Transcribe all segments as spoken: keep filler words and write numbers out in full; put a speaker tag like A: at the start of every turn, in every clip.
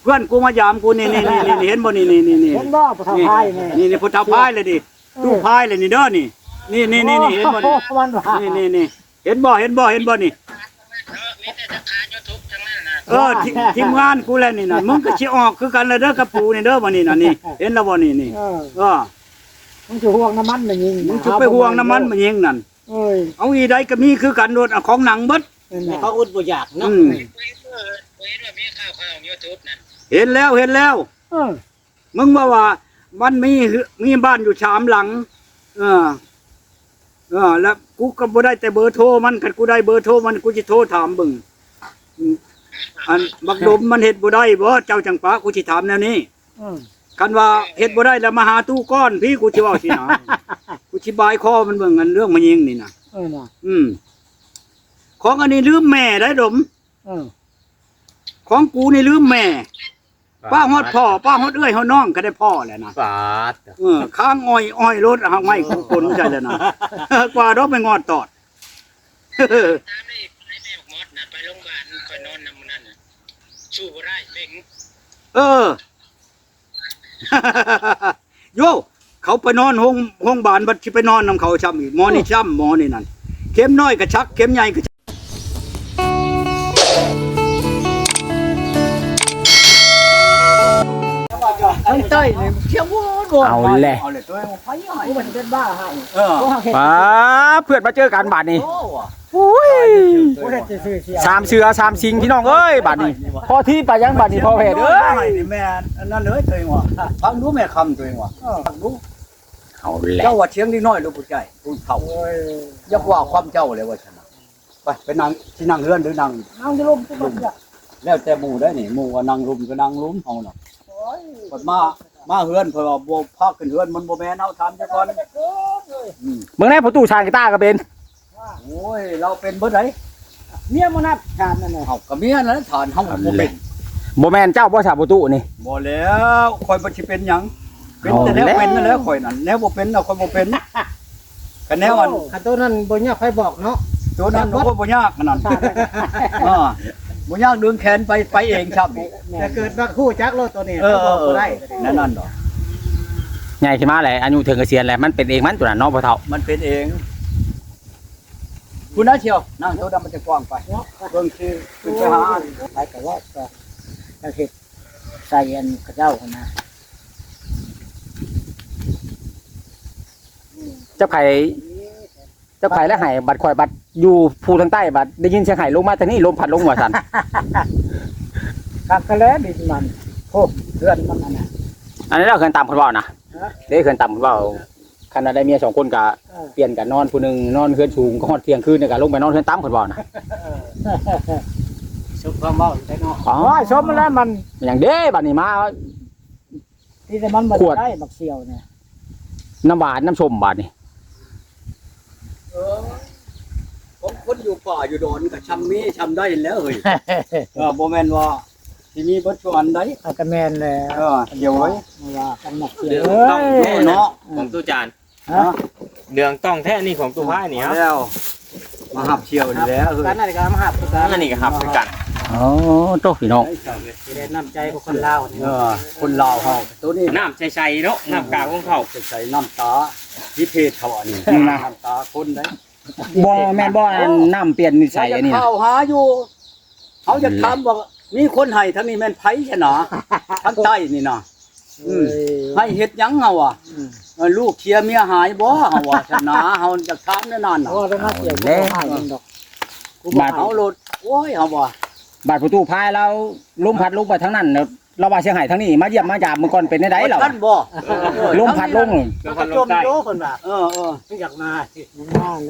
A: พื่อนกูมายามกูนี่นี่นี่เห็นบ่นี่นี่นี่นี่
B: เห็นบ่ผู้เฒ่าพายนี่
A: นี่นี่พุทธพายเลยดิตู้พายเลยนี่เด้อนี่นี่นี่นี่นี่เห็นบ่นี่
B: มันว่า
A: นี่นี่นี่เห็นบ่เห็นบ่เห็นบ่นี่เออทีทีมงานกูแล้วนี่น่ะมึงก็สิออกคือกันเลยเด้อกับปูนี่เด้อบ่นี่น่ะนี่เห็นแล้วบ่นี่นี่
B: เออ
A: เออ
B: มึงสิห่วงน้ำมันมันยิง
A: มึงสิไปห่วงน้ำมันมันยิงนั่น
B: เอ้ย
A: เอาอีใดก็มีคือกันโดดเอาของหนังเบิด
B: นั่นน่ะ
C: เขาอุดบ่อยากเนาะ
A: อืมเห็นแล้วเห็นแล้ว
B: เออ
A: มึงว่าว่ามันมีมีบ้านอยู่สามหลัง เออ เออ แล้วกูก็บ่ได้แต่เบอร์โทรมันคันกูได้เบอร์โทรมันกูสิโทรถามเบิ่งอืมอันบักดมมันเฮ็ดบ่ได้บ่เจ้าจังปากูสิถามแนวนี้
B: เออ
A: คันว่าเฮ็ดบ่ได้แล้วมาหาตู้ก้อนพี่กูสิเว้าสินะกูสิบายคอมันเบิ่งอันเรื่องมันยิงนี่น่ะ
B: เออน่ะ
A: อืมของอันนี้ลืมแม่ได้ดม
B: เออ
A: ของกูนี่ลืมแม่ ป้าฮอดพ่อป้าฮอดเอ้ยฮอดน้องก็ได้พ่อแหละนะ
C: ปาด
A: เออข้างอ้อยอ้อยรถหางไม้ของคนใจเลยนะ กว่าดอกไปงอดตอด
D: ตามนี่ไปแม่บอกมอดน่ะไปโรงพยาบาลคอยนอนนำมันนั่นน่ะสู้บ่ได้เบ่ง
A: เออ โยเขาไปนอนห้องห้องบานบัดที่ไปนอนนำเขาช้ำอีกหมอนี่ช้ำหมอนี่นั่นเข็มน้อยก็ชักเข็มใหญ่ก็ชัก
B: ไอ้เต้ยนี่เชี่ยวบ่บ่
C: เอาแหละ
A: เอาเลยตัวไปใหญ่
B: กูมันเป็นบ้าให้
A: เออ
B: กูเฮ็ด
C: ป้าเพื่อนมาเจอกันบาดนี้
A: โอ้ว่ะ
C: อุ้ย
B: กูเฮ็ดซื่อๆเสีย
C: สามเสือสามสิงพี่น้องเอ้ยบาดนี้พอที่ไปยังบาดนี้พอแผดเอ้ย
A: นี่แม่อันนั้นเลยตัวเองว่ะฟังดูแม่คำตัวเองว่ะฟังดู
C: เอาแหละ
A: เจ้าว่าเชียงนิดน้อยลูกผู้ใจผู้เฒ่า
B: โอ้ย
A: ยักว่าความเจ้าเลยว่าฉันน่ะไปไปนั่งที่นั่งเฮือนหรือนั่ง
B: เอาจะลมจะลมจ้ะ
A: แล้วแต่หมู่ได้นี่หมู่ว่านั่งรุมก็นั่งรุมเฮาน่ะ
B: โอ้ย
A: เพิ่นมามาเฮือนเพิ่นว่าบ่พาขึ้นเฮือนมันบ่แม่นเฮาถามจักก่อนอืม
C: เบิ่งแน่ประตูชานกีตาร์ก็เป็น
A: โอ้ยเราเป็นเบิดได
B: เมียมานับชานนั่นน่ะ
A: เฮาก็เมียนั่นแหละฐานเฮาบ่เป็น
C: บ่แม่นเจ้าบ่ชาประตูนี่
A: บ่แล้วข่อยบ่สิเป็นหยังเป็นแต่แนว
C: เอาแล้ว
A: เป็นนั่นแหละข่อยนั่นแนวบ่เป็นน่ะข่อยบ่เป็นก็แนวอัน
B: คันตัวนั้นบ่ยากใครบอกเนาะ
A: ตัวนั้นโอ้บ่ยากอันนั้นอ่าบ่ยากดึงแขนไปไปเองครับ
B: แต่เกิดว่าคู่จักรถตัวนี้
A: เออ
B: เขาบอกบ่ได้
A: นั่นนั่นดอก
C: ใหญ่ขึ้นมาแหละอายุถึงเกษียณแล้วมันเป็นเองมันตัวนั้นเนาะพ่อเฒ่า
A: มันเป็นเองคุณน่าเชียวนั่งเท่าดำมันจะกว้างไป
B: เนาะ
A: เบิ่งคือคือไปหา
B: ไปก็ว่าก็ก็เฮ็ดใส่อันกระเจ้าหั่นนะ
C: เจ้าไข่เจ้าไข่และไห้บัดข่อยบัดอยู่ภูทางใต้บัดได้ยินเสียงไห้ลงมาทางนี้ลมพัดลงหัวสั่น
B: คักกะแลดินมันโอ้เพื่อนมันนั่นน่ะ
C: อันนี้เราเคยตามคนเว้านะ
B: ฮะ
C: ได้เคยตามคนเว้าคันได้เมียสองคนก็
B: เออ
C: เปลี่ยนกันนอนผู้หนึงนอนเฮือนสูงก็ฮอดเที่ยงคืนเนี่ยก็ลงไปนอนเฮือนตามคนเว้านะ
A: สุขความเมาได้เนาะ
C: อ๋อ
B: โอ้ยชมมันแล้วมัน
C: อย่างเด้บัดนี้มา
B: ที่แต่มันบ่
C: ขวด
B: ได้บักเสียวเนี่ย
C: น้ำหวานน้ำส้มบาดนี้
A: เออผมคนอยู่ป่าอยู่ดอนก็ชำมีชำได้แล้วเฮ้ยเออบ่แม่นว่าสิมีบ่ชวนใด
B: เอากระแมนแล้ว
A: เออเดี๋ยวไว้
B: ว่ากันหนักเสีย
E: เดี๋ยว
B: เอ้
E: ต้อง
B: ย
E: แท้
A: เนาะ
E: ของตู้จาน
B: ฮะ
E: เดืองต้องแท้นี่ของตู้ผ้านี่ครับ
A: แล้วมาหับเชียวนี่แล้วเฮ้ย
B: กันนั่นก็มาหับคือกัน
E: นั่นนี่ก็ครับคือกัน
C: อ๋อโตพี่น้อง
B: สิได้น้ำใจของคนลาวนี่
A: เออคนลาวเฮาตัวนี้
E: น้ำใสๆเนาะน้ำกลางของเขา
A: ใส่น้ำตาพิเพศเขาอันนี้น้ำตาคนได้
C: บ่แม่นบ่อันน้ำเปลี่ยนนิสัยอันนี้
A: เขา
C: นะ
A: จะเข้าหาอยู่เขาจะถามว่ามีคนให้ทั้งนี้แม่นไผใช่หนาทั้งใต้นี่นะอืมให้เฮ็ดหยังเฮาอ่ะเออลูกเชียร์เมียหายบ่เฮาอ่ะชนะเฮาจะถามแน่นอนน่ะ
B: โอ้แล้วมาเกี่ยวกับหายดอก
A: กูบอกเอาโลดโอ้ยเฮาบ่
C: บาดประตูพายเราลมพัดลงไปทางนั้นแล้วเราว่าเสียงไห้ทางนี้มาเยี่ยมมายามเมื่อก่อนเป็นได้เรา
A: ท่านบ่
C: ลมพัดลง
E: แล้วพันลงใต้
B: โยเพิ่นว่า
A: เออเออ
B: อยากมาสิมาแน่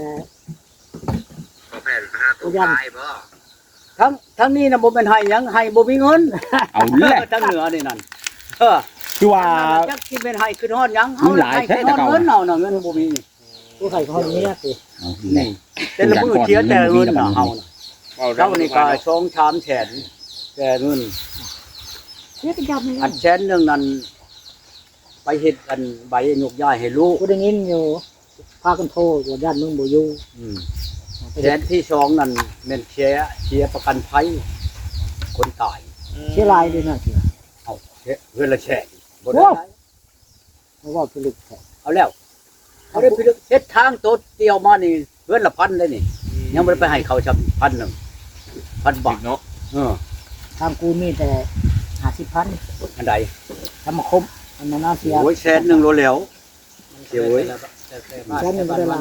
D: ตู้ตายบ่
A: ทั้งทั้งนี้น่ะบ่แม่นให้หยังให้บ่มีเงิน
C: เอาแหละ
A: ทั้งเหนือนี่นั่นเออ
C: คือว่า
A: จักสิเป็นให้ขึ้นฮอดหยัง
C: มีหลาย
A: ให้
C: แท้
A: ขึ้นฮอด
C: แต่เก่า
A: เงินเฮาน่ะเงินบ่มีนี่
B: ผู้ใส่คนนี้สิ
C: เอาแหละ
A: แต่ละมื้อเชียร์แต่ละเงินน่ะเฮาน่ะ
E: เอา
A: เจ้านี่ก็สองชามแสนแต่เงิน
B: เฮ็ดจับนี่
A: อันแสนหนึงนั้นไปเฮ็ดอันใบยกย้ายให้ลูก
B: กูได้ยินอยู่พากันโทรว่าญาติมึงบ่อยู่
A: อืมแสนที่สองนั่นแม่นเชียร์เชียร์ประกันภัยคนตาย
B: เสียลายด้วยนะเสีย
A: เเอาเพื่อนละแฉะบ่
B: โอ้
A: ได้
B: เพราะว่าพิลึกแท้
A: เอาแล้วเขาได้ไปเลือกเฮ็ดทางโตเตียวมานี่เพื่อนละพันได้นี่ยังบ่ได้ไปให้เขาชำพันหนึงพันบาท
E: เนาะ
A: เออ
B: ทางกูมีแต่ห้าสิบพัน
A: อันใด
B: ทำมาคมอันนั้นน่าเสีย
A: โอ้ยแสนหนึงโลแล้วเสียเว้ย
B: แสนหนึ่งบ่ได้หลาย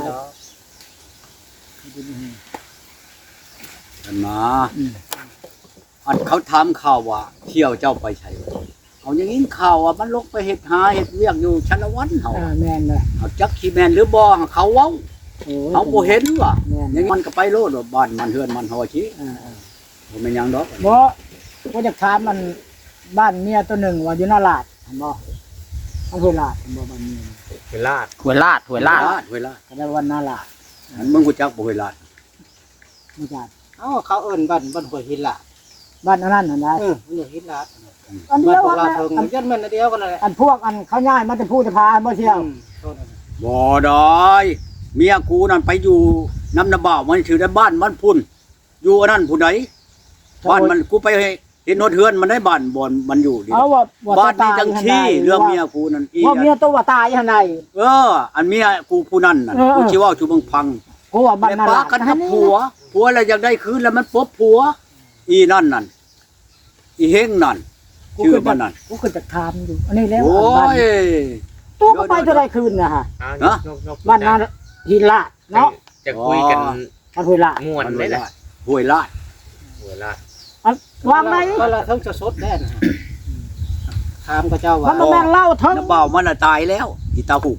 A: อันมาอันเขาถามข่าวว่าเที่ยวเจ้าไปไสเอาอย่างนี้ข่าวว่ามันลงไปเฮ็ดหาเฮ็ดเวียกอยู่ชันละวันเฮา
B: อ่าแม่นเลย
A: เอาจักขี้แม่นหรือบ่เขาเว้า
B: โอ้ย
A: เขาบ่เห็นว่ะ
B: แม่น
A: อย่างนี้มันก็ไปโลดว่าบ้านมันเฮือนมันเฮาสิ
B: อ่า
A: บ่แม่นหยังดอก
B: ๆบ่บ่จะถามมันบ้านเมียตัวหนึ่งว่าอยู่หน้าลาดเห็นบ่อำเภอลาดเห็นบ่บ้านเมีย
E: เป็นลาด
C: หวยลาดหวยลาด
A: เวลา
B: ก็ได้วันหน้าลาด
A: อันมึงรู้จักบ่เวลา
B: ไม่จัด
F: เอ้าเขาเอิ้นบ้านบ้านห้วยหินลาด
B: บ้านอันนั้นหั่นนะ
F: เออมันอยู่หินลาด
B: อัน
F: บ้า
B: เดี
F: น
B: ยว
F: พวก
B: อั
F: เรา
B: น
F: เถิง
B: อัน
F: ยันแม่นอันเดียวกันนั่นแหละ
B: อันพวกอันเขาย้ายมาแต่พูดแต่พาบ่เชี่ยว
F: อืมโทษนะ
A: บ่ได้เมียกูนั่นไปอยู่น้ำนาบ่าวมันชื่อได้บ้านมันพุ่นอยู่อันนั้นผู้ใดบ้านมันกูไปเห็นโนเทือนมันได้บ้านบ่อนมันอยู่ดิ
B: เอาว่าว่า
A: บ้าน
B: ต
A: นี้
B: ย
A: จังชี้เรื่องเมียกูนั่นอี
B: ว่าเมียตัวว่าตายหั่นใด
A: เออ อันเมียกูผู้นั้นน่ะ
B: เออ
A: กูสิเว้าชูเบิ่งพัง
B: กูว่าบ้าน
A: แต่
B: หน้า
A: ปา
B: ลาด
A: กันกับผัวผัวแล้วอยากได้คืนแล้วมันปบผัว อีนั่นนั่นอีเฮงนั่นชื่อมันนั่น
B: กูก็จะถามอยู่อันนี้แล้ว
A: โอ้
B: บ้าน
A: ย
B: ตัวก็ไปเท่าไรคืนน่ะฮะ
E: อ่
A: ฮะ
E: นกนก
B: บ้านนาหินลาดเนาะ
E: จะคุยกัน
B: บ้านห้วยลาด
E: ม่วนได้แหละ
A: ห้วยลาด
E: หัวลาด
B: อันวางไหน
F: ก็ละเทั้งจะสดแน่นะฮะถามกับเจ้าว่า
B: มันบ่แม่นเล่าเทั้ง
A: น้าบ่าวมันน่ะตายแล้วอีตาหุบ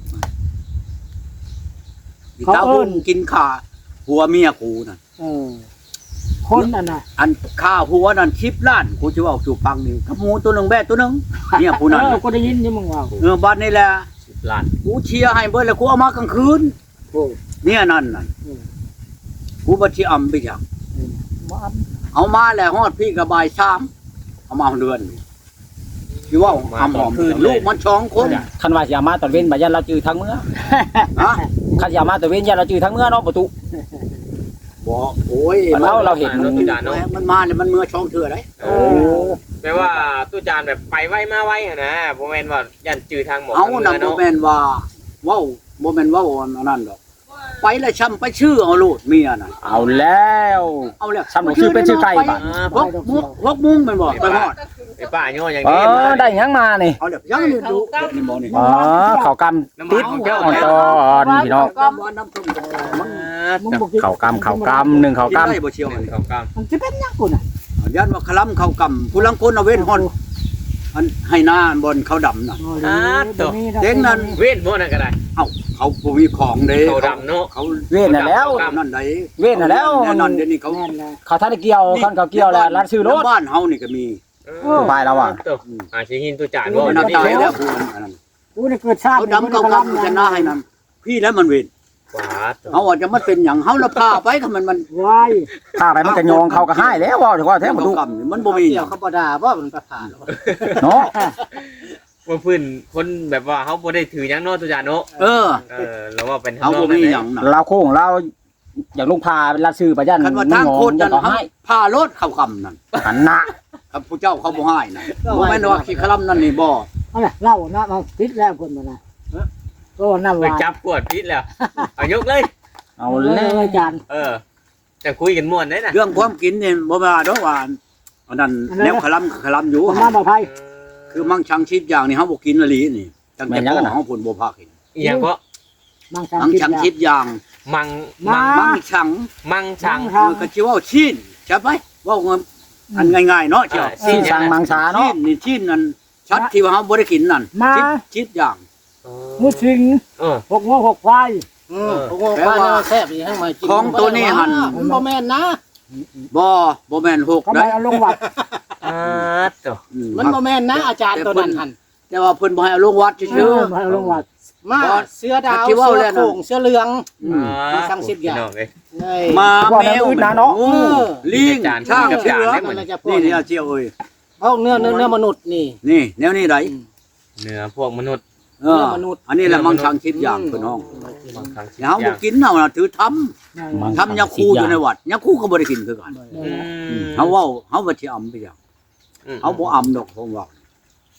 A: อี
B: เขา
A: ตา
B: เอิ้
A: หุบ
B: น
A: กินขาผัวเมียกูนั่น
B: เออคนอันน่ะ
A: อันข้าผัวนั่นชิบล้านกูจะเอาสู่ฟังนี่กับหมูตัวหนึงแบ่ตัวหนึงเนี่ยผู้นั้น
B: เออกูได้ยินอยู่มึงว่า
A: เออบ้านนี่แหละ
E: สิบล้าน
A: กูเชียร์ให้เบิดแล้วกูเอามากลางคืน
B: โอ้
A: เนี่ยนั่นน่ะ
B: อืม
A: กูบ่สิอำไปจัง
B: บ่อัน
A: เอามาแล้วฮอดพี่ก็บ่ายสามเอามาเดือนสิว่าอำหอมลูกมันสองคน
C: คันว่าสิเอามาตอนเว้นบ่ยันเราจื้อทั้งเมื่อ
A: ฮะ
C: คันสิเอามาตอนเว้นยันเราจื้อทั้งเมื่อเนาะประตู
A: บ่โอ้ย
C: เราเราเห็น
E: รถตู้จานเนาะ
A: มันมาเนี่ยมันเมื่อช่องเถื่อได้
E: โอ้แปลว่าตู้จานแบบไปไวมาไวอะนะบ่แม่นว่ายันจื้อทางหมอ
A: เอา
E: ทาง
A: นำ
E: เรือ
A: บ่
E: เนาะ
A: แม่นว่าเว้าบ่แม่นเว้าอันนั้นดอกไปแล้วช้ำไปชื่อเอาโลดเมียน่ะ
C: เอาแล้ว
A: เอาแล้ว
C: ช้ำหนูชื่อเป็นชื่อไก่บัด
A: พวกมุกพวกมุ้งแม่นบ่ไปฮอด
E: ไอ้ป้าย่ออย่าง
C: เอ
E: นี้
C: อได้หยังมานี่
A: เอาแล้วยังนี่ดูนี่บ่นี่
C: อ๋อเขากำติดอ่อนตอนพี่น้อง
A: ก็บ่น้ำพึ่งมัน
B: มึงบ่กิน
C: เขากำเขากำหนึ่งเขา
A: กิน
C: กำ
A: ได้บ่เชียว
E: ห
A: อัน
E: นึ่ง
A: นี้
E: เขาก
B: มันสิเป็นหยังกูน่ะ
A: ยันว่าคลำเขากำผู้ลังคนเอาเว้นฮอดอันให้หน้าบนเขาดำน่ะ
B: โอ้ยดี๋ยวนี้
A: เจ๊งนั่น
E: ำเวทบ่นั่นก็ได้
A: เอ้าเขาบ่มีของเด้
E: เขาดำเนาะ
A: เขา
C: เว้นน่ะแล้ว
A: เขานั่นได้
C: เว้นน่ะแล้ว
A: แน่นอนเดี๋ยวนี้เขา
B: แม่นเลย
C: เขาท่านได้เกี่ยวคันเขาเกี่ยวแล้วรัดซื้อรถ
A: บ้านเฮานี่ก็มี
C: ไปแล้วว่ะ
E: เอออ่าสิหินตู้จาน
A: บ่
E: บ่
A: นั
E: นั่
A: บ
E: นนี่
A: ตาย
E: เนาะ
A: แล้วผู้อันนั้น
B: กูนี่เกิดชาติ
A: เขาดำเขากำจะหน้าให้นั่นพี่แล้วมันเว้น
E: กวาด
A: เฮาว่าจะมันเป็นหยังเฮาละพาไปก็มันมัน
B: ไว้
C: ถ้าไปมันก็ยองเขาก็ให้แล้วว่าถือว่าแท้ประตู
A: เขากำนี่มันบ่มีห
F: เกี่
A: ยั
F: ยว
A: ง
F: เขาบ่ด่าว่ามันไปผ่าน
C: เนาะ
E: ว่าพื้นคนแบบว่าเขาบ่ได้ถือหยังเนาะตู้จานเนาะ
A: เออ
E: เออแล้วว่าเป็น
A: เฮาบ่มีหยังน่ะ
C: เราโค้งเราอยากลงพารัดซื้อไปยัน
A: คันว่า
C: ไม่
A: ทาง
C: งอ
A: โคตร
C: ยั
A: นั่
C: น
A: น
C: เขา
A: เฮา
C: ให้
A: พารถเข้ากำนั่น
C: หันหน้า
A: ครับผู้เจ้าเขาบ่ให้น่ะบ่แม่นว่าขี้คลำนั่นนี่บ่
B: เอาล่ะเล่านะเอาติดแล้วคนมานะก็นำ
E: ไป
B: ว่า
E: จับกวดพิษแล้วเอายกเลย
C: เอา
B: เอา
C: แล้
B: เล
C: วย
B: อาจารย์
E: เออจะคุยกันม่วนได้น่ะ
A: เรื่องความกินนี่บ่ว่าดอกว่าอันนั้นแนวคลำคลำอยู่
B: ผมมาบ่ภัย
A: คือมั่งชังชิดอย่างนี่เฮาบ่กินละลีนี่ตั้งแต่พ่อเฮาพุ่นบ่พากิน
E: อีหยังก็
B: มังสัง
A: มั่ง
B: คิด
A: ชัง
B: ยา
A: ชิดอย่าง
E: มัง
B: มา
E: มัง
A: มั่งชัง
E: มังชัง
B: ครับ
A: คือก็สิว่าชีนใช่ไหมเว้าเงินอันง่ายๆเนาะเจ้า
E: อ่า
C: ซีสั่งมังสา
A: ชี
C: เนาะ
A: นนี่ชีนนั่นชัดที่ว่าเฮาบ่ได้กินนั่น
B: มา
A: ชิดชิดอย่าง
B: มุสิง
E: เออ
B: หกหัวหกควาย
F: อืมโอ้โหว่าเนี่ยแซ่บอีให้มากิน
A: ของตัวนี้หั่น
F: มันบ่แม่นนะ
A: บ่บ่แม่นหก
B: ก็ไป
A: ได้
B: เอาลงวัด
E: อ่าตัว
A: อื
F: มันบ่แม่นนะอาจารย์ตัวนั้นหั่น
A: แต่ว่าเพิ่นบ่ให้เอาลงวัด
B: เอ
A: ซื่อ
B: อมาเอาลงวัด
F: มาเสื้อดาว
A: ที่ว่า
F: เสื้
A: แล้
F: อ
A: วนะ
F: โขงเสื้อเหลือง
A: อืม
F: มาสั่งสิบอย่าง
E: พี่น้เอ้ย
F: เอ้ย
A: มา
C: บอก
A: แม
C: แล้ว
A: ว
C: อื่นนะเนาะ
A: โอ้
F: เออ
A: ลิง
E: จาน
A: ช่าง
E: กับ
A: เสื
E: จาน
A: อ
E: ได้หมด
F: มันจะพว
A: นี่
F: ก
A: นี่เอาเจียวเอ้ย
F: พวกเนื้อเนื้อเนื้อมนุษย์นี่
A: นี่แนวนี้ได
E: เนื้อพวกมนุษย์
A: เอออันนี้แหละมั่งชังชิดอย่างเพิ่นห้อง
E: บางครั้ง
A: เดี๋ยวเฮาบ่กินเฮาน่ะถือทำ ทำยาคูอยู่ในวัดยาคูก็บ่ได้กินคือกัน
E: อืม
A: เฮาเว้าเฮาบ่สิอำไปจัง
E: อืม
A: เฮาบ่อำดอกผมว่า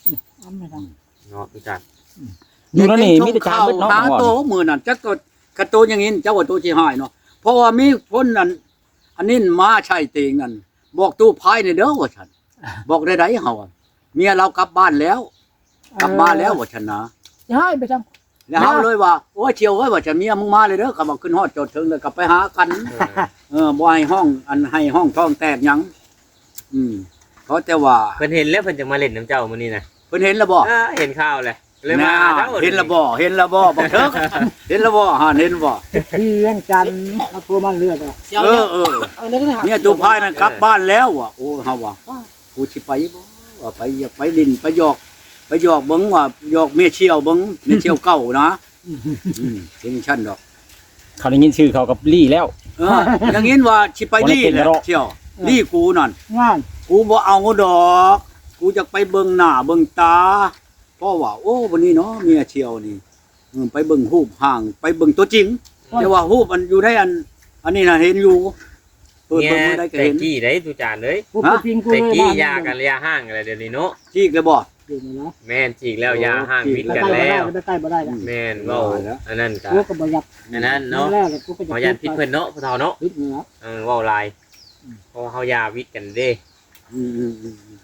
B: เอาไม่ท
E: เนาะตุจาน
C: อยู่นั่นนี่มีแต่จานเบิดเนาะ
A: หาโตมื้อนั้นจักก็กระโตอย่างงี้เจ้าว่าโตสิหายเนาะเพราะว่ามีคนนั้นอันนี้มาใช่เตงนั่นบอกตู้พายนี่เด้อว่าฉันบอกได้ๆเฮาอะเมียเรากลับบ้านแล้ว
B: ำ
A: กลับมาแล้วว่าฉันนะ
B: ย้ายไปจัง
A: แล้วเฮาเลยว่าโอ้ยเชียวเอ้ยว่าฉันเมียมึงมาเลยเด้อก็บอกขึ้นฮอดจอดถึงเลยกลับไปหากันเออบ่ให้ห้องอันให้ห้องท้องแตกหยังอืมเพราะแต่ว่า
E: เพิ่นเห็นแล้วเพิ่นจะมาเล่นน้ำเจ้ามื้อนี้นะ
A: เพิ่นเห็นแล้วบ่
E: อ่าเห็นข่าวเลยเลยมา
A: น่า
E: เจ้า
A: เห็นแล้วบ่เห็นแล้วบ่บักเถิกเห็นแล้วบ่หาเห็นบ่
B: ที่เลี้ยงจันทร์เอาตัวมันเลือดอ่ะ
F: เจ้า
A: เอ
F: เนี่
A: อย เออ
F: เอาเนื้อหา
A: เนี่ยตัวพายนั่นกลับบ้านแล้วว่ะโอ้เฮาว่ากูสิไปบ่ว่าไปอยากไปดินไปหยอกไปหยอกเบิ่งว่าหยอกเมียเชี่ยวเบิ่งเมียเชี่ยวเก่านะอืมถึงชั้นดอก
C: เขาได้ยินชื่อเขากับลี่แล้ว
A: เอออย่างงี้ว่าสิไปดีแหละเชี่ยวนี่กูนั่น
B: งาน
A: กูบ่เอาดอก กูจะไปเบิ่งหน้าเบิ่งตาเพราะว่าโอ้วันนี้เนาะเมียเชี่ยวนี่อืมไปเบิ่งรูปห่างไปเบิ่งตัวจริงแต่ว่ารูปมันอยู่ในอัน อันนี้น่ะเห็นอยู่เปิด
E: เนี่ย
A: เบิ่งมื้อใดก็
E: แต่
A: เห็น
E: กี้ได้ตุจานเลย
B: กูไปจริงกู
E: แต่
B: เลย
E: กี้
B: บ้
E: ยากันระยะห่างอะไรเดี๋ยวนี้เนาะ
A: จีกเลยบ่
B: อยู่นี่นะ
E: แม่นจีกแล้วยาห่างมิด
B: ไป
E: กัน
B: ใกล้
E: แล้ว
B: บ่ได้ไปใกล้บ่ได้นะ
E: แม่นเว้าอันนั้นก็
B: กูก็บ่อยาก
E: อันนั้นเนาะ
B: แรกเลยกูก็จะ
E: เฮายันพิษเพิ่นเนาะพ่อเฒ่าเนาะ
B: พิษนี่นะ
E: เออเว้าหลายเพราะว่าเฮายาวิทย์กันเด้
A: อืมอืมอืมอืม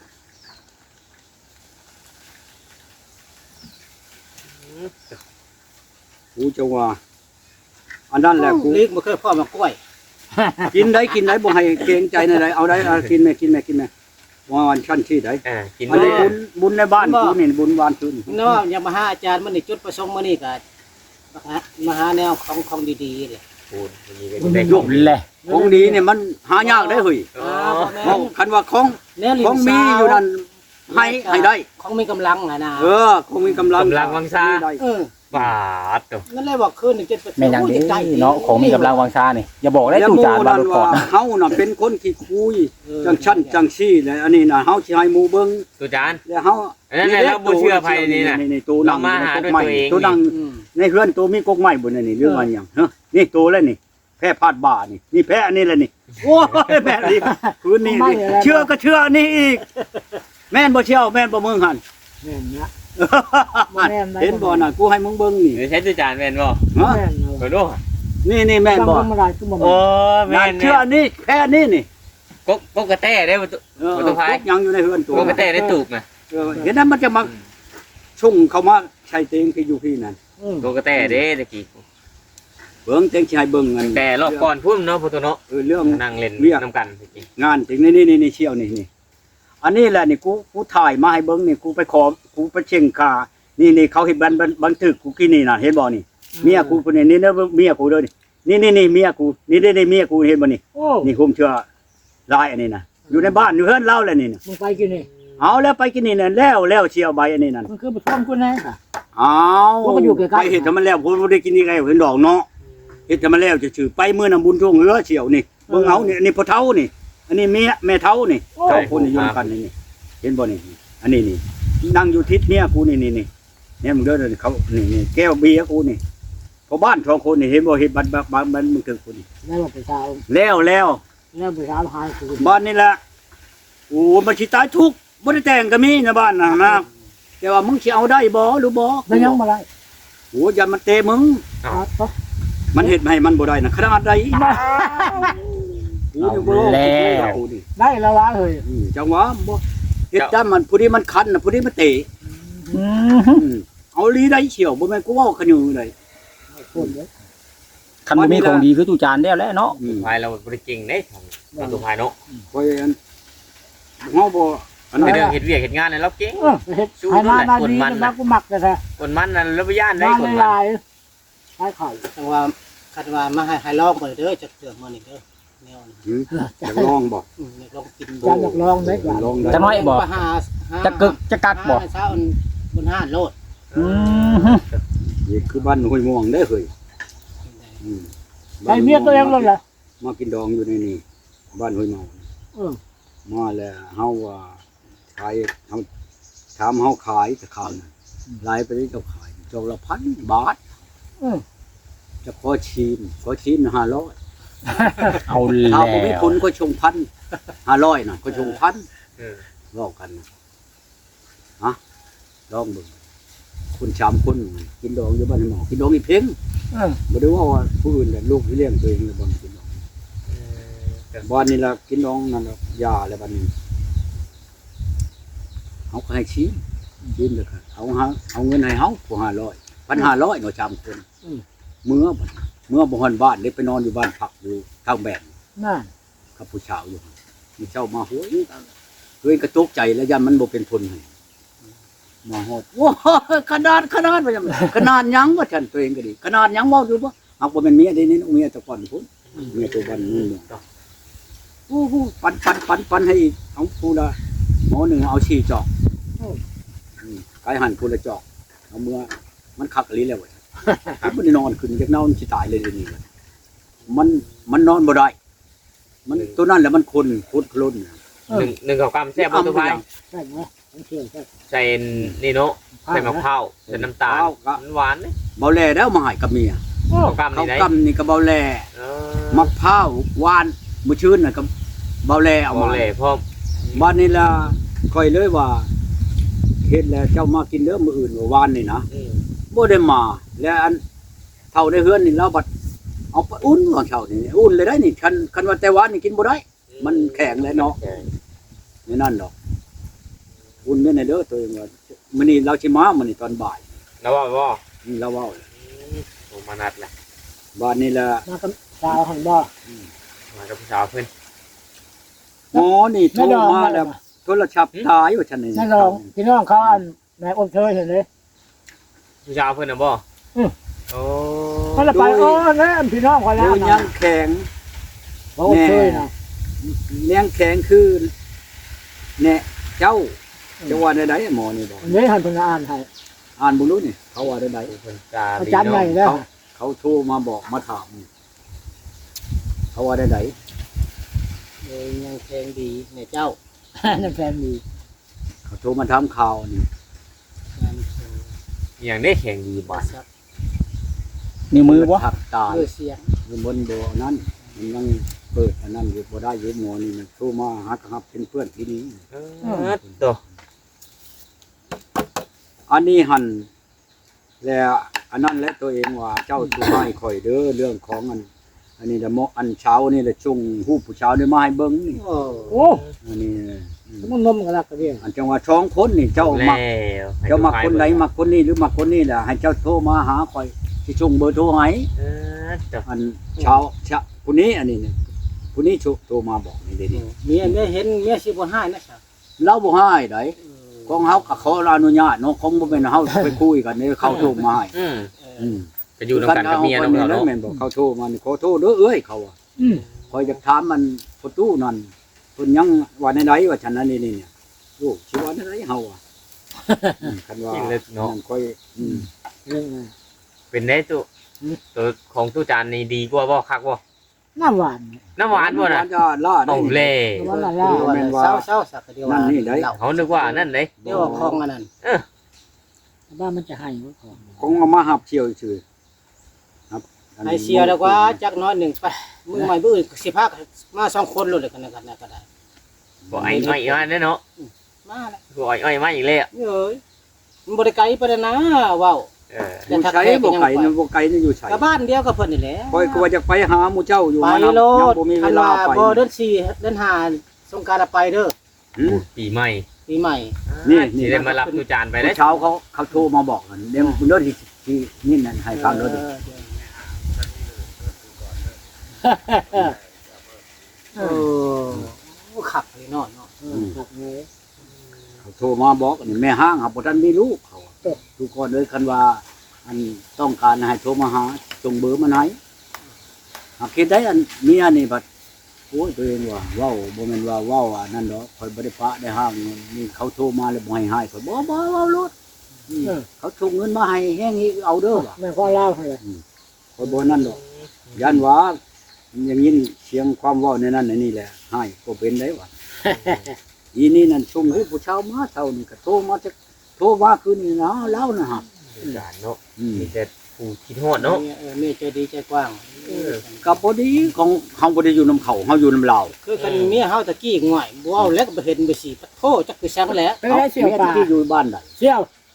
A: กูจะว่า อันนั้นแหละกู
F: ลิกบ่เคยพ่อมากล้วย
A: กินได้กินได้บ่ให้เกรงใจในใดเอาได้เอากินแม่กินแม่กินแม่ว่าวันชั้นที่ใด
E: อ่ากิน
A: อัน
E: บ่
A: นี้บุญบุญในบ้านกูนี่บุญวานคืน
F: เนาะอย่ามาหาอาจารย์มื้อนี้จุดประสงค์มื้อนี้ก็มาหาแนวของของดีๆเลย
E: พูดวันนี้ก็จะได้
C: ยกเลย
A: ของดีเนี่ยมันหายากได้เฮ้ย
E: อ๋อ
A: เอาคันว่าของ
F: แนวลิ้
A: ของมีอยู่นั่นให้ให้ได้
F: ของมีกำลังอ่ะนะ
A: เออคงมีกำลัง
E: กำลังวังชา
A: ได้
F: เออบ
E: าดตัว
F: นั่นเลยบอกคืนหนึ่งเจ็ดประ
C: แม่นอย่างนี้เนาะของมีกำลังวังชานี่อย่าบอกได้
A: แล้ว
C: ตู้
A: หมู่
C: จานบา
A: นั่
C: ร
A: น
C: ถก่อ
A: ว่าน
C: นะ
A: เฮาน่ะเป็นคนขี้คุยจังชั้นจังซี่แหละอันนี้น่ะเฮาสิให้หมู่เบิ่ง
E: ตุจาน
A: แล้วเฮา
E: อันนั้นน่ะเราบ่เชื่อไผนี่น่ะ
A: นี่ตัวนั่ง
E: เรามาหาด้วยตัวเอง
A: ตัวนั่ง
F: อืม
A: ในเฮือนตัวมีกกไม้บนนี่เรื่องมันหยังฮะนี่ตัวแล้วนี่ แพ้พาดบ่านี่นี่แพ้อันนี้แหละนี่โอ้ยแพ้นี่คืนนี้นี่เชื่อก็เชื่ออันนี้อีก แม่นบ่เชี่ยวแม่นบ่มึงหั่น
B: แม่นนะ
A: หั่นเห็นบ่น่ะกูให้มึงเบิ่งนี่
E: หรือใช้ตุจานแม่นบ่
A: ฮะ
B: แม่นเลย
E: เปิดดู
A: นี่นี่แม่นบ่
B: บางคนมาได้คือบ่
E: โอ้
B: แม่น
E: แม่
A: นั่น
E: น
A: เชื่ออันนี้แพ้อันนี้นี่
E: กกกกระแต้ได้บ่ตุ
A: เออ
E: บ่ต้องพาย
A: กกยังอยู่ในเฮือนตัว
E: กกระแต้ได้ตูกน่ะ
A: เออเห็นนั้นมันจะมาชุ่งเข้ามาใช้เต็งที่อยู่พี่นั่น
B: อืม
E: กกระแต้เด้ตะกี้
A: เบิ่งเต็งสิให้เบิ่งอัน
E: แต่รอบก่อนพุ่นเนาะพุทธเนาะ
A: เออเรื่อง
E: นั่งเล่น
A: เรียก
E: น้ำกันตะกี้
A: งานถึงนี่นี่นี่เชี่ยวนี่นี่อันนี้แหละนี่กูกูถ่ายมาให้เบิ้งนี่กูไปขอกูไปเช่งคานี่นี่เขาเห็นบันบันบันทึกกูกินนี่น่ะเห็นบ่นี่เมียกูคนนี้นี่นะเมียกูเด้อนี่นี่นี่นี่เมียกูนี่นี่นี่เมียกูเห็นบ่นี่
B: โอ้
A: นี่คุมเชื่อลายอันนี้น่ะอยู่ในบ้านอยู่เฮือนเล่าแล้วนี่น่ะ
B: มึงไปกินนี่
A: เอาแล้วไปกินนี่น่ะแล้วแล้วเชี่ยวใบอันนี้นั่น
B: มันคือบ่ท่วมกูแน่ค่ะ
A: เอา
B: ว่ามันอยู่ใกล้ๆ
A: ไปเห็นทำมันแล้วผมบ่ได้กินนี่ไงเห็นดอกเนาะเฮ็ดทำมันแล้วจะชื่อไปมื้อน่ะบุญช่วงเรือเชี่ยวนี่เบิ่งเอานี่อันนี้พ่อเฒ่านี่ อันนี้เมียแม่เฒ่านี่เฒ่าคนนิยมกันนี่นี่เห็นบ่นี่อันนี้นี่นั่งอยู่ทิศเมียกูนี่นี่นี่เนี่ยมึงเด้อเด้อเขานี่นี่แก้วเบียร์กูนี่พอบ้านสองคนนี่เห็นบ่เฮ็ดบัดบัดบัดบัดมึงถึงกูนี่
B: แล้วบ่ไปสาว
A: แล้วแล้ว
B: แล้วไปสาวหายคือ
A: บ้านนี่แหละโอ้มันสิตายทุกข์บ่ได้แต่งก็มีนะบ้านน่ะนะแต่ว่ามึงสิเอาได้บ่หรือบ่
B: แล้วยังบ่ได้
A: โอ้อย่ามันเตะมึง
B: ครับ
A: มันเฮ็ดให้มันบ่ได้นะขนาดใดกูนี่บ่รู้กูนี่
B: ได้แล้วล่ะเฮ้ย
A: อืมจังหวะบ่เฮ็ดจ้ามันผู้นี้มันคันน่ะผู้นี้มันเตะ
B: อืม
A: อืมเอาลีได้เฉียวบ่แม่นกูเว้ากันอยู่เลย
B: คนเด้อ
C: คันบ่มีของดีคือตู้จานแล้วแหละเนาะ
A: อืม
E: พายเราบริจริงเด้เราตัวพายเนาะ
A: คอยอันเฮาบ่อัน
E: ใน
A: นั้น
E: เรื่องเฮ็ดเวียกเฮ็ดงานเนี่ยเราเก่ง
B: เออเฮ็ดให้มามาดีนะกูมักแต่แท้
E: คนมันน่ะเราบ่ย่านได้
B: มา
E: คน
B: ห
E: มัน
B: ลายๆให้ไข่
F: จังว่าคันว่ามาให้ให้ลองเบิ่งเด้อจักเทื่อมื้อนี้เด้อแนวนี้
A: หืมอยากลองบ่
F: อืมอยากลองกิน
B: จานอยากลองเด้อ
A: อยากลองได้
C: จะน้อยบ่
F: หาหา
C: จะกึกจะกักบ่
F: หาเช้าอันบนห้านโลด
C: อืม
A: นี่คือบ้านห้วยม่วงเด้อเฮ้ยอืม
B: ไอ้เมียตัวเองเลยเหรอ
A: มากินดองอยู่ในนี่บ้านห้วยม่วง
B: เออ
A: มาแล้วเฮาว่าขายเฮาถามเฮาขายแต่ข้าวน่ะหลายไปเจ้าขายเจ้าละพันบาท
B: เออ
A: จะขอชิมขอชิมห้าร้อย
C: เอา
A: ถ้า
C: แล้
A: บ่มี
C: ว
A: ทุนก็ชงพันห้าร้อยน่ะก็ชงพัน
E: เออ
A: เว้ากันน่ะฮะลองเบิ่งคนสามคนกินดองอยู่บ้านหมอกินดองอีเพ่ง
B: เออ
A: บ่ได้ว่าว่าผู้อื่นแต่ลูกที่เลี้ยงตัวเองแล้วบ่กินดองแต่บ้านนี้ล่ะกินดองนั่นล่ะยาแล้วบัดนี้เฮาก็ให้ชี้กินแล้วก็เอาหาเอาเงินให้เฮาผู้ห้าร้อย พันห้าร้อยเนาะสามคนเมื่อบัดเมื่อบ่ฮอนบ้านได้ไปนอนอยู่บ้านพักอยู่ทางแบน
B: น่ะ
A: กับผู้ชาวอยู่มีเจ้ามาโหยเฮ้ยกระตุกใจแล้วยันมันบ่เป็นผลให้มาฮอดโอ้ยขนาดขนาดว่าจังขนาดหยังว่าฉันตัวเองก็ดีขนาดหยังเว้าอยู่บ่หากบ่แม่นเมียได้นี่เมียแต่ก่อนพุ่นเมียตัวบ้านนู่นเนี่ยโอ้โหปันปันปันปันให้อีกเอาผู้ละหมอหนึ่งเอาสี่จอกอืมไก่หั่นผู้ละจอกเอาเมื่อมันคักอีหลีแล้วเว้ยมันบ่ได้นอนขึ้นจากเนามันสิตายเลยเดี๋ยวนี้มันมันนอนบ่ได้มันตัวนั้นแหละมันคนโคตรล้น
E: หนึ่งหนึ่งกับกำแซ่บบ่ตัวไผ
B: ใช่ไหมมันเที่ยวใช่
E: ใส่นี่เนาะใส่มะพร้าวใส่น้ำตาล
A: ข้าวก็
E: มันหวานเด้
A: เบาแลแล้วมาให้กับเมีย
E: กับกำ
A: เขา
E: นี่ได้
A: กำนี่ก็เบาแล
E: เออ
A: มะพร้าวหวานมื้อชื่นน่ะก็เบาแลเอา
E: เอา
A: มา
E: เลยพร้อม
A: บ้านนี้ล่ะค่อยเลยว่าเฮ็ดแล้วเจ้ามากินเด้อมื้ออื่นว่าหวานนี่นะ
E: อืม
A: บ่ได้มาแล้วอันเท่าในเฮือนนี่เราบัดเอาไปอุ่นตอนเช้านี่อุ่นเลยได้นี่คันคันว่าแต่หวานนี่กินบ่ได้ มันแข็งแล้วเนาะนี่นั่นดอกอุ่นเด้อในเด้อตัวเองว่ามื้อนี้เราสิมามื้อนี้ตอนบ่าย
E: แล้วว่าบ่
A: นี่เราเว้า
E: โอ้มานัดแหละ
A: บ้านนี้ล่ะ
B: มากับสาวหันบ่
E: มากับผู้สาวเพิ่น
A: หมอนี่โทร
B: ไม่ดอง
A: มาแล้วโทรศัพท์ตายว่าฉันนี่
B: นั่นลองพี่น้องเขาอันแม่อมเชยเห็นเลย
E: ผู้สาวเพิ่นน่ะบ่
B: อืม
E: โอ้
B: เขาละไปโอ้แล้วพี่น้องเขา
A: โด
B: แล้ว
A: ยยั
B: นะ
A: งแข็ง
B: บ่อมเชยนะ
A: เลี้ยงแข็งคือแน่เจ้าจะว่าได้ๆหมอนี่บอก
B: อันนี้หันเพิ่นอ่านให้
A: อ่านบ่รู้นี่เขาว่าได้
E: เพิ่นจา
B: อา
E: ดี
B: จารย์ใหญ่
E: เนาะ
B: แล้ว
A: ๆเขาโทรมาบอกมาถามเขาว่าได้
F: เลยยังแข็งดีในเจ้า
B: นั่นแฟนดี
A: ๆเขาโทรมาถามข่าวนี่
F: งานเชิง
E: อย่างนี้แข็งดีบ่
F: ซัก
C: นิ้วมือบ่
A: ทักตาย
F: เพื่อเสียง
A: อยู่บนบ่อนั้นมันยังเปิดอันนั้นอยู่บ่ได้อยู่หมอนี่มันโทรมาหาครับเป็นเพื่อนที่นี่
E: เออตัว
A: อันนี้หันแล้วอันนั้นและตัวเองว่าเจ้าสุให้ข่อยเด้อเรื่องของอัน อันนี้ละโมอันเช้านี่ละจุงฮู้ผู้เช้านี่มาให้เบิ่งนี่
F: โอ้
B: โอ้
A: อันนี้อืม
B: มันนมกันลักกระเดียง
A: อันจังว่าช่องคนนี่เจ้า
E: แล้
A: มัก
E: ว
A: เจ้ามักคนใดมักคนนี้หรือมักคนนี้แหละให้เจ้าโทรมาหาข่อยสิส่งเบอร์โทรให้
E: เออตัว
A: อันเช้าเช้าผู้นี้อันนี้นี่ผู้นี้โทรมาบอกนี่เด้นี่
F: เมียได้เห็นเมียสิบ่ให้นะครั
A: เราบ่ให้ไดของเฮาก็ขออนุญาตเนาะของบ่แม่นเฮาไปคุยกันนี่เขาโทรมาให้
E: อืม
A: อืม
E: ก็อยู่นำกันกับเมีย
A: เนาะ
E: เนาะเราเนาะ
A: แม่นบอกเขาโทรมานี่ขอโทษเด้อเอ้ยเขาว่า
B: อืม
A: คอยจะถามมันประตูนั่นเพิ่นยังว่าในใดว่าฉันนั้นนี่นี่เนี่ยโอ้สิว่าในใดเฮาอ่ะอืมคันว่า
E: จริงเลยเนาะ
A: นั่นค่อยอืม
B: เรื่องนั้น
E: เป็นได้ตัวตัวของตู้จานนี่ดีกว่าบ่คักบ่
B: น้ำหวาน
E: น้ำหวานบ่น่ะ
A: จะล่าได้
E: เอา
A: นี่
E: เล่
B: น้ำหวานละลา
A: แม่นว่า
F: เศร้าเศร้าๆสักเดียว
A: นั่นนี่ได้
F: เหล้า
E: เขานึกว่านั่นเด้
F: เดี๋ยวเอาของอันนั้น
B: บ้านมันจะให้ว่าของ
A: คงเอามาหับเชี่ยวซื่อครับอัน
F: ให้
A: นี้
F: เสียแล้วว่าจักน้อยหนึ่งไปมือใหม่บื้ออื่นสิพามาสองคนเลยกันนะกันนะก็ได้
E: บ่ไอ้อ้อยมาเนาะ
F: มาแล้ว
E: บ่ไอ้อ้อยมาอีกแล้ว
F: เอ้ยมันบ่ได้ไกลปานนั้นนะเว้า
E: เออ
A: อยู่ใช้บ่ไก่นะบ่ไก่นี่อยู่ใช้
F: ก็บ้านเดียวกับเพิ่นนี่แหละ
A: คอยก็ว่าจะไปหาหมู่เจ้าอยู่
F: ไป
A: มานำ
F: โล
A: ยัง
F: ด
A: บ่มีเว
F: คัน
A: ลา
F: ว่า
A: ไป
F: บ่เดือนสี่เดือนห้าสงกรานต์ไปเด้อ
A: หืม
E: ปีใหม่
F: ปีใหม่
A: นี่นี่
E: สิได้มารับตู้จานไปได้
A: เช้าเขาเขาโทรมาบอกกันเดี๋ยวเรื่องที่ที่นี่นั่นให้ฟังเด้อ
F: เออเออโอ้ขับเลยเนาะเนาะ
B: เออครับเลย
A: เขาโทรมาบอกนี่แม่ห้างหาบ่ทันมีลูกเขาทุกคนเลยคันว่า อันต้องการให้โทรมาหาส่งเบอร์มาให้หากคิดได้อันเมียนี่บัดโอ้ยตัวเองว่าเว้าบ่แม่นว่าเว้าอันนั้นดอกข่อยบ่ได้ปะได้ห้างนี่เขาโทรมาแล้วบ่ให้ให้ข่อยบ่บ่เว้าโลดอืมเขาส่งเงินมาให้แฮงอีกเอาเด้อว่ะ
B: แม่ก็เล่าให้เลย
A: ข่อยบ่นั่นดอกยันว่าอย่างนี้เสียงความเว้าในนั้นในนี่แหละให้ก็เป็นได้ว่ะ อีนี่นั่นส่งให้ผู้ชาวมาเท่านี่ก็โทรมาจะโทรมาคืนนี่นะเล่านะฮะ
E: ตู้จานเนาะ
A: อืม
E: มีแต่ผู้คิดฮอดเนาะ
F: เออแม่ใจดีใจกว้าง
A: กับบดีของเฮาบ่ได้อยู่นำเขาเฮาอยู่นำลาว
F: คือกันเมียเฮาตะกี้ง่อยบ่เอาแล้วก็บ่เห็นบ่สิปะโทจักคือซังแล้ว
B: ไปได้เสี่ยว
A: เมีย
B: ปลา
A: ที่อยู่บ้านใด
B: เสี่ยว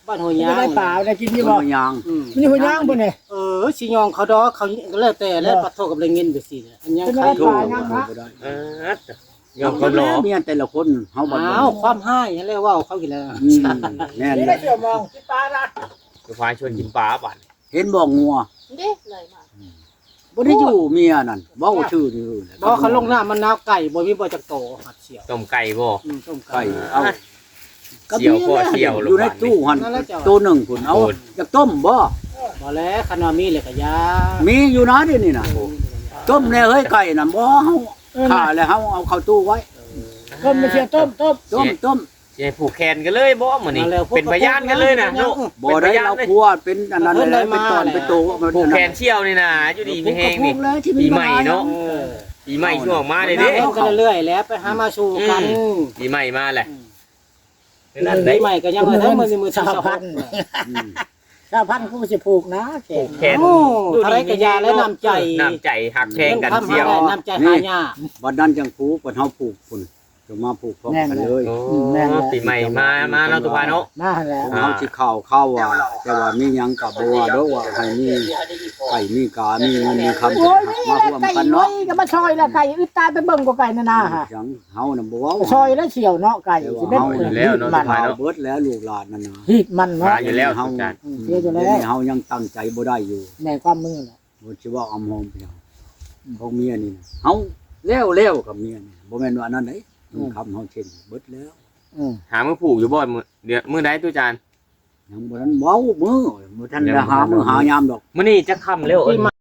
F: บ้านหัวย
B: มัน
F: ยา
B: จะ
F: ง
B: ได้ป่าได้กินอยู่
A: บ่
B: บ่
A: ยาง
F: อืม
B: มันอยู่หัวยางบ่เนี่ย
F: เออสิยองเขาดอกเขาแล้วแต่แล้วปัดโทกับเลยเงินไปสิอันยัง
B: เป็น
F: ใคร
B: อะไร
A: โท
F: โท
A: ษ
B: ป่ายังนะ
A: บ่ได้
E: เออยอมคนรอ
A: เมียแต่ละคนเฮาบ่
F: อ้าวความให้นั่นแหละว่าเขากินแล้ว
A: อืมแม่น
B: นี่
A: แห
B: ได้
A: ละ
B: เสี่ยวมองที่ป่าละ
E: จะพาชวนกินปลาบ้าน
A: เห็นบ่งัว
G: เด้เลยมา
A: บ่ได้อยู่เมียนั่นเว้าชื่อนี่
F: บ่เขาลงหน้ามันนาวไก่บ่มีบ่จักโตหัดเสียว
E: ต้มไก่บ่
F: อืมต้ม
A: ไก่
F: ไก่
A: เอา
E: เสี่ยวพ่อเสี่ยว
A: อยู่ในตู้หั่นตัวหนึ่งพุ่นเอาอยากต้มบ่
F: บ่แล้วคันว่ามีเลยก็ยา
A: มีอยู่นะเดี๋ยวนี้น่ะต้มแน่เฮ้ยไก่น่ะบ่เฮาฆ่าแล้วเฮาเอาเข้าตู้ไว้
B: ต้มไม่เชียต้มต้ม
A: ต้มต้ม
E: สิให้ผูกแขนกันเลยบ่มื้อนี้เป็นพยานกันเลยนะเนาะ
A: บ่ได้เราพัวเป็นอันนั้นเลยเป็นตอนเป็นโต
E: ผูกแขนเชี่ยวนี่นะอยู่ดีมีแฮงนี่ ปีใหม่เนาะ
F: เออ
E: ปีใหม่ช่วงมาเลยเด้
F: เล่นกันเรื่อยๆแล้วไปหามาสู่กัน
E: ปีใหม่มาแหละ
F: นั่
E: นั่
F: น
E: น
F: ได้
E: ได้
F: ใหม่ก็ยังว่าทั้งมือมือ
B: ชาว
F: ชาว
B: พั
F: พั
B: น
F: น
B: ธุ์ชาวพันธุ์กูสิผูกนะแข
E: ผู
B: น
E: กแขน
F: โอ้อะไรก็ยาและน้ำใจ
E: น้ำใจหักแพงกัน
F: เรื่อง
E: เชี่ยว
F: คำหาได้น้ำใจหายาก
A: วันนั้นจังผูกวันเฮาผูกพุ่นจะมาผูกพร้อมกันเลย
E: โอ้ปีใหม่มามาเนาะตุพาเนาะ
B: มาแล้ว
A: เฮาสิเข้าเข้าว่าแต่ว่ามีหยังก็บ่ว่าเด้อว่าให้มีไก่มีกามีเงินมีคำ
B: โอ้ย
A: มาร่วม
B: ไก่
A: กัน
B: น้อ
A: เนาะ
B: ยก็มาซอยละไก่อึดตายไปเบิ่งกว่าไก่นั่นน่ะฮะ
A: จังเฮาน่ะบ่เว้า
B: ซอยแล้วเฉียวเนาะไก่สิเป็น
E: อยู่แล้วเนาะ
B: มัน
A: เฮาเบิดแล้วลูกหลานนั่นน่ะ
B: ฮีดมันเนาะ
E: มาอยู่แล้ว
A: เฮา
E: ตุจาน
B: เสียอยู่
A: เดี๋
B: แล้
A: ยว วนี้เฮายังตั้งใจบ่ได้อยู่
B: แม่ความมือน่ะ
A: บ่สิว่าอำหอมเพียงของเมียนี่นะเฮาแล้วแล้วกับเมียนี่บ่แม่นว่าอันนั้นเด้คำเฮาเช่นเบิดแล้ว
B: อืม
E: หามือผูกอยู่บ่มื้อเดี๋ยวมื้อใดตุจาน
A: ยังบ่ทันเว้ามือบ่ทันได้หามือหายามดอก
E: มื้อนี้จะค่ำแล้วเอิ้น